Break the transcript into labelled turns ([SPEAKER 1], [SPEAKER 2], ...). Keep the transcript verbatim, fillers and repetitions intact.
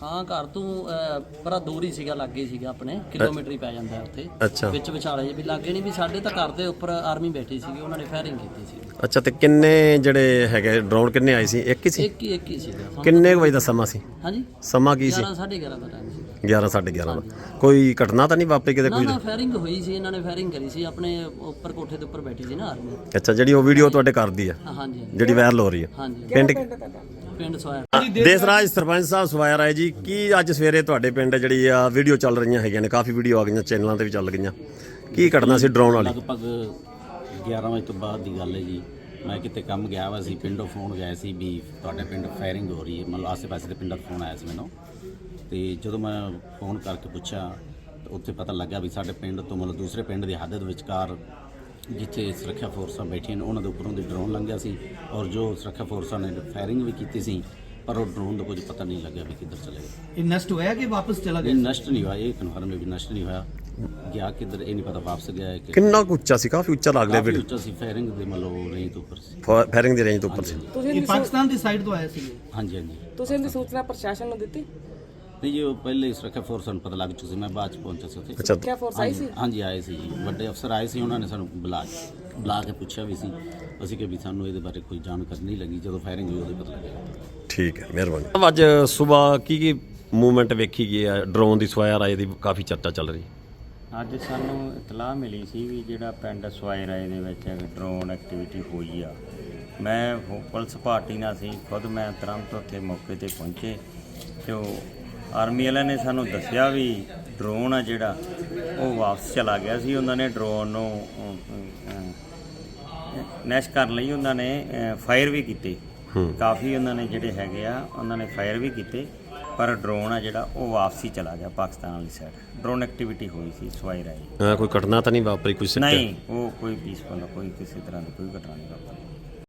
[SPEAKER 1] ਹਾਂ ਘਰ ਤੋਂ ਬੜਾ ਦੂਰ ਹੀ ਸੀਗਾ, ਲਾਗੇ ਹੀ ਸੀਗਾ, ਆਪਣੇ ਕਿਲੋਮੀਟਰ ਹੀ ਪੈ ਜਾਂਦਾ ਉੱਥੇ।
[SPEAKER 2] ਅੱਛਾ,
[SPEAKER 1] ਵਿੱਚ ਵਿਚਾਲੇ ਵੀ ਲਾਗੇ ਨਹੀਂ ਵੀ ਸਾਡੇ ਤਾਂ ਘਰ ਦੇ ਉੱਪਰ ਆਰਮੀ ਬੈਠੀ ਸੀਗੀ, ਉਹਨਾਂ ਨੇ ਫਾਇਰਿੰਗ ਕੀਤੀ ਸੀ।
[SPEAKER 2] ਅੱਛਾ। ਤੇ ਕਿੰਨੇ ਜਿਹੜੇ ਹੈਗੇ ਡਰੋਨ ਕਿੰਨੇ ਆਏ ਸੀ? ਇੱਕ ਹੀ ਸੀ?
[SPEAKER 1] ਇੱਕ ਹੀ ਇੱਕ ਹੀ ਸੀਗਾ।
[SPEAKER 2] ਕਿੰਨੇ ਕੁ ਵਜੇ ਦਾ ਸਮਾਂ ਸੀ?
[SPEAKER 1] ਹਾਂਜੀ,
[SPEAKER 2] ਸਮਾਂ ਕੀ ਸੀ?
[SPEAKER 1] ਗਿਆਰਾਂ ਸਾਢੇ ਗਿਆਰਾਂ ਦਾ ਟਾਈਮ ਸੀ।
[SPEAKER 2] ਗਿਆਰਾਂ ਸਾਢੇ ਗਿਆਰਾਂ ਦਾ। ਕੋਈ ਘਟਨਾ ਤਾਂ ਨਹੀਂ ਵਾਪਰੀ ਕਿਤੇ?
[SPEAKER 1] ਨਾ
[SPEAKER 2] ਕੋਈ
[SPEAKER 1] ਨਾ ਫਾਇਰਿੰਗ ਹੋਈ ਸੀ, ਇਹਨਾਂ ਨੇ ਫਾਇਰਿੰਗ ਕਰੀ ਸੀ, ਆਪਣੇ ਉੱਪਰ ਕੋਠੇ ਦੇ ਉੱਪਰ ਬੈਠੀ ਸੀ ਨਾ ਆਰਮੀ।
[SPEAKER 2] ਅੱਛਾ, ਜਿਹੜੀ ਉਹ ਵੀਡੀਓ ਤੁਹਾਡੇ ਘਰ ਦੀ ਆ,
[SPEAKER 1] ਹਾਂਜੀ
[SPEAKER 2] ਜਿਹੜੀ ਵਾਇਰਲ ਹੋ ਰਹੀ ਹੈ?
[SPEAKER 1] ਹਾਂਜੀ।
[SPEAKER 2] ਪਿੰਡ
[SPEAKER 1] ਪਿੰਡ ਸਵਾਇਆ।
[SPEAKER 2] ਦੇਸਰਾਜ ਸਰਪੰਚ ਸਾਹਿਬ ਸਵਾਇਆ ਰਾਏ ਜੀ, ਕੀ ਅੱਜ ਸਵੇਰੇ ਤੁਹਾਡੇ ਪਿੰਡ ਜਿਹੜੀ ਆ ਵੀਡੀਓ ਚੱਲ ਰਹੀਆਂ ਹੈਗੀਆਂ ਨੇ, ਕਾਫੀ ਵੀਡੀਓ ਆ ਗਈਆਂ ਚੈਨਲਾਂ ਤੇ ਵੀ ਚੱਲ ਗਈਆਂ, ਕੀ ਘਟਨਾ ਸੀ ਡਰੋਨ ਵਾਲੀ?
[SPEAKER 3] ਲਗਭਗ ਗਿਆਰਾਂ ਵਜੇ ਤੋਂ ਬਾਅਦ ਦੀ ਗੱਲ ਹੈ ਜੀ। ਮੈਂ ਕਿਤੇ ਕੰਮ ਗਿਆ ਵਾ ਸੀ, ਪਿੰਡੋਂ ਫੋਨ ਗਿਆ ਸੀ ਵੀ ਤੁਹਾਡੇ ਪਿੰਡ ਫਾਇਰਿੰਗ ਹੋ ਰਹੀ ਹੈ, ਮਤਲਬ ਆਸੇ ਪਾਸੇ ਦੇ ਪਿੰਡਾਂ ਤੋਂ ਫੋਨ ਆਇਆ ਸੀ ਮੈਨੂੰ। ਤੇ ਜਦੋਂ ਮੈਂ ਫੋਨ ਕਰਕੇ ਪੁੱਛਿਆ ਤਾਂ ਉੱਥੇ ਪਤਾ ਲੱਗਾ ਵੀ ਸਾਡੇ ਪਿੰਡ ਤੋਂ ਮਤਲਬ ਦੂਸਰੇ ਪਿੰਡ ਦੀ ਹੱਦ ਦੇ ਵਿਚਕਾਰ ਜਿੱਥੇ ਸੁਰੱਖਿਆ ਫੋਰਸਾਂ ਬੈਠੀਆਂ ਨੇ ਉਹਨਾਂ ਦੇ ਉੱਪਰੋਂ ਦੀ ਡਰੋਨ ਲੰਘਿਆ ਸੀ, ਔਰ ਜੋ ਸੁਰੱਖਿਆ ਫੋਰਸਾਂ ਨੇ ਫਾਇਰਿੰਗ ਵੀ ਕੀਤੀ ਸੀ, ਪਰ ਉਹ ਡਰੋਨ ਦਾ ਕੁਝ ਪਤਾ ਨਹੀਂ ਲੱਗਿਆ ਵੀ ਕਿੱਧਰ ਚਲੇ ਗਿਆ।
[SPEAKER 4] ਇਹ ਨਸ਼ਟ ਹੋਇਆ ਕਿ ਵਾਪਸ ਚਲਾ ਗਿਆ?
[SPEAKER 3] ਇਹ ਨਸ਼ਟ ਨਹੀਂ ਹੋਇਆ, ਇਹ ਕਨਫਰਮ ਹੈ ਵੀ ਨਸ਼ਟ ਨਹੀਂ ਹੋਇਆ। ਗਿਆ ਕਿੱਧਰ ਇਹ ਨਹੀਂ ਪਤਾ, ਵਾਪਸ ਗਿਆ ਹੈ ਕਿ
[SPEAKER 2] ਕਿੰਨਾ ਕੁ ਉੱਚਾ ਸੀ? ਕਾਫੀ ਉੱਚਾ ਲੱਗ ਰਿਹਾ
[SPEAKER 3] ਕਾਫੀ
[SPEAKER 2] ਵੀਡੀਓ,
[SPEAKER 3] ਉੱਚਾ ਸੀ, ਫਾਇਰਿੰਗ ਦੇ ਮਤਲਬ ਰੇਂਜ ਤੋਂ ਉੱਪਰ ਸੀ।
[SPEAKER 2] ਫਾਇਰਿੰਗ ਦੀ ਰੇਂਜ ਤੋਂ ਉੱਪਰ ਸੀ।
[SPEAKER 4] ਇਹ ਪਾਕਿਸਤਾਨ ਦੀ ਸਾਈਡ ਤੋਂ ਆਇਆ ਸੀ?
[SPEAKER 3] ਹਾਂਜੀ ਹਾਂਜੀ।
[SPEAKER 5] ਤੁਸੀਂ ਇਹਦੀ ਸੂਚਨਾ ਪ੍ਰਸ਼ਾਸਨ ਨੂੰ ਦਿੱਤੀ?
[SPEAKER 3] ਨਹੀਂ ਜੀ, ਉਹ ਪਹਿਲੇ ਸੁਰੱਖਿਆ ਫੋਰਸਾਂ ਨੂੰ ਪਤਾ ਲੱਗ ਚੁੱਕਾ ਸੀ, ਮੈਂ ਬਾਅਦ ਚ ਪਹੁੰਚਿਆ ਸੀ ਉੱਥੇ।
[SPEAKER 2] ਅੱਛਾ,
[SPEAKER 5] ਕਿਆ ਫੋਰਸ ਆਈ ਸੀ?
[SPEAKER 3] ਹਾਂਜੀ ਆਏ ਸੀ ਜੀ, ਵੱਡੇ ਅਫਸਰ ਆਏ ਸੀ, ਉਹਨਾਂ ਨੇ ਸਾਨੂੰ ਬੁਲਾ ਬੁਲਾ ਕੇ ਪੁੱਛਿਆ ਵੀ ਸੀ, ਅਸੀਂ ਕਿ ਵੀ ਸਾਨੂੰ ਇਹਦੇ ਬਾਰੇ ਕੋਈ ਜਾਣਕਾਰੀ ਨਹੀਂ ਲੱਗੀ, ਜਦੋਂ ਫਾਇਰਿੰਗ ਹੋਈ ਉਹਦੇ ਪਤਾ ਲੱਗਿਆ।
[SPEAKER 2] ਠੀਕ ਹੈ, ਮਿਹਰਬਾਨੀ। ਅੱਜ ਸਵੇਰ ਕੀ ਕੀ ਮੂਵਮੈਂਟ ਵੇਖੀ ਗਈ ਹੈ? ਡਰੋਨ ਦੀ ਸਵਾਇਆ ਰਾਏ ਦੀ ਕਾਫੀ ਚਰਚਾ ਚੱਲ ਰਹੀ।
[SPEAKER 6] ਅੱਜ ਸਾਨੂੰ ਇਤਲਾਹ ਮਿਲੀ ਸੀ ਵੀ ਜਿਹੜਾ ਪਿੰਡ ਸਵਾਏ ਰਾਏ ਦੇ ਵਿੱਚ ਡਰੋਨ ਐਕਟੀਵਿਟੀ ਹੋਈ ਆ। ਮੈਂ ਫੋ- ਪੁਲਿਸ ਪਾਰਟੀ ਨਾਲ ਸੀ, ਖੁਦ ਮੈਂ ਤੁਰੰਤ ਉੱਥੇ ਮੌਕੇ ਤੇ ਪਹੁੰਚੇ ਤੇ ਉਹ ਆਰਮੀ ਵਾਲਿਆਂ ਨੇ ਸਾਨੂੰ ਦੱਸਿਆ ਵੀ ਡਰੋਨ ਆ ਜਿਹੜਾ ਉਹ ਵਾਪਸ ਚਲਾ ਗਿਆ ਸੀ। ਉਹਨਾਂ ਨੇ ਡਰੋਨ ਨੂੰ ਨੈਸ਼ ਕਰਨ ਲਈ ਉਹਨਾਂ ਨੇ ਫਾਇਰ ਵੀ ਕੀਤੇ, ਕਾਫੀ ਉਹਨਾਂ ਨੇ ਜਿਹੜੇ ਹੈਗੇ ਆ ਉਹਨਾਂ ਨੇ ਫਾਇਰ ਵੀ ਕੀਤੇ, ਪਰ ਡਰੋਨ ਆ ਜਿਹੜਾ ਉਹ ਵਾਪਸੀ ਚਲਾ ਗਿਆ ਪਾਕਿਸਤਾਨ ਵਾਲੀ ਸਾਈਡ। ਡਰੋਨ ਐਕਟੀਵਿਟੀ ਹੋਈ ਸੀ ਸਵਾਈ ਰਾਈ।
[SPEAKER 2] ਕੋਈ ਘਟਨਾ ਤਾਂ ਨਹੀਂ ਵਾਪਰੀ? ਕੋਈ
[SPEAKER 6] ਨਹੀਂ, ਉਹ ਕੋਈ ਪੀਸਫੁਲ ਕੋਈ ਕਿਸੇ ਤਰ੍ਹਾਂ ਦੀ ਕੋਈ ਘਟਨਾ ਨਹੀਂ ਵਾਪਰੀ।